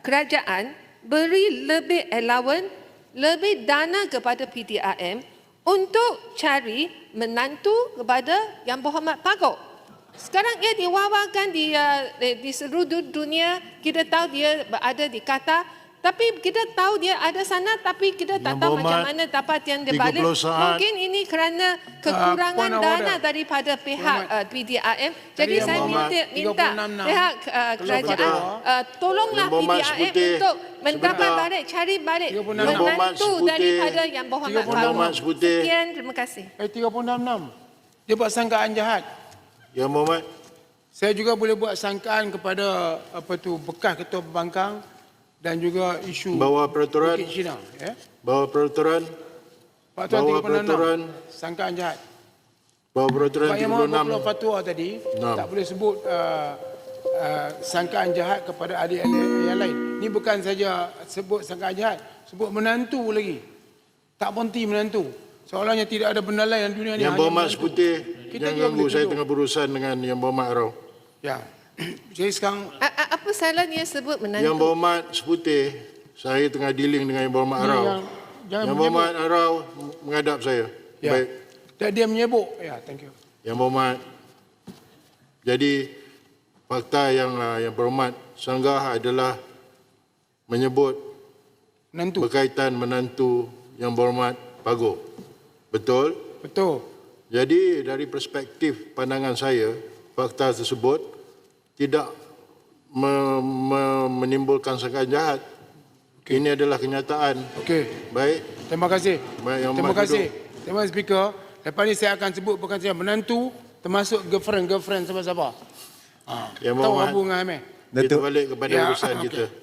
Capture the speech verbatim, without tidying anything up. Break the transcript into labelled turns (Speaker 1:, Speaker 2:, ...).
Speaker 1: kerajaan beri lebih allowance, lebih dana kepada P D R M untuk cari menantu kepada Yang Berhormat Pagoh. Sekarang ia diwawakan di, uh, di seluruh dunia. Kita tahu dia berada di Qatar. Tapi kita tahu dia ada sana, tapi kita tak tahu macam mana dapat yang dia balik. Mungkin ini kerana kekurangan uh, dana daripada pihak uh, P D R M. Jadi saya minta, minta pihak uh, kerajaan uh, tolonglah P D R M untuk mendapat balik, cari balik menantu daripada Yang Berhormat Pagoh. Sekian, terima kasih.
Speaker 2: Eh, tiga puluh enam enam. Dia buat sangkaan jahat.
Speaker 3: Yang Berhormat.
Speaker 2: Saya juga boleh buat sangkaan kepada apa tu bekas ketua pembangkang dan juga isu
Speaker 3: bawa peraturan
Speaker 2: Bukit Cina, ya.
Speaker 3: Bawa peraturan
Speaker 2: Pak Tuan
Speaker 3: bawa
Speaker 2: tiga puluh enam,
Speaker 3: peraturan
Speaker 2: sangkaan jahat.
Speaker 3: bawa peraturan
Speaker 2: Pak Yang
Speaker 3: tiga puluh enam
Speaker 2: Mahu fatwa tadi
Speaker 3: enam.
Speaker 2: tak boleh sebut uh, uh, sangkaan jahat kepada ahli-ahli yang lain. Ini bukan saja sebut sangkaan jahat, sebut menantu lagi. Tak berhenti menantu. Seolahnya tidak ada benda lain dalam dunia ni.
Speaker 3: Yang Berhormat Seputih,
Speaker 2: Kita
Speaker 3: jangan ganggu, saya
Speaker 2: tuduh.
Speaker 3: tengah berurusan dengan Yang Berhormat Arau.
Speaker 2: Ya. Jadi sekarang
Speaker 1: A- a- apa salahnya sebut menantu?
Speaker 3: Yang Berhormat Seputih, saya tengah dealing dengan Yang Berhormat
Speaker 2: Ini
Speaker 3: Arau.
Speaker 2: yang- jangan
Speaker 3: Yang
Speaker 2: menyebut.
Speaker 3: Berhormat Arau menghadap saya.
Speaker 2: ya.
Speaker 3: Baik,
Speaker 2: Dan dia menyebut. Ya, thank you.
Speaker 3: Yang Berhormat. Jadi fakta yang uh, Yang Berhormat sanggah adalah menyebut
Speaker 2: Menantu.
Speaker 3: berkaitan menantu Yang Berhormat Pagoh. Betul?
Speaker 2: Betul.
Speaker 3: Jadi dari perspektif pandangan saya, fakta tersebut tidak me, me, menimbulkan sangkaan jahat. Okay. Ini adalah kenyataan.
Speaker 2: Okey.
Speaker 3: Baik.
Speaker 2: Terima kasih.
Speaker 3: Baik, Yang
Speaker 2: Terima
Speaker 3: Berhormat
Speaker 2: kasih.
Speaker 3: duduk.
Speaker 2: Terima kasih Speaker. Lepas ni saya akan sebut bukan saja menantu, termasuk girlfriend-girlfriend siapa-siapa. Ha.
Speaker 3: Yang
Speaker 2: Tahu
Speaker 3: Berhormat.
Speaker 2: Abu dengan Amir.
Speaker 3: Kita balik kepada
Speaker 2: Ya,
Speaker 3: urusan
Speaker 2: okey.
Speaker 3: kita.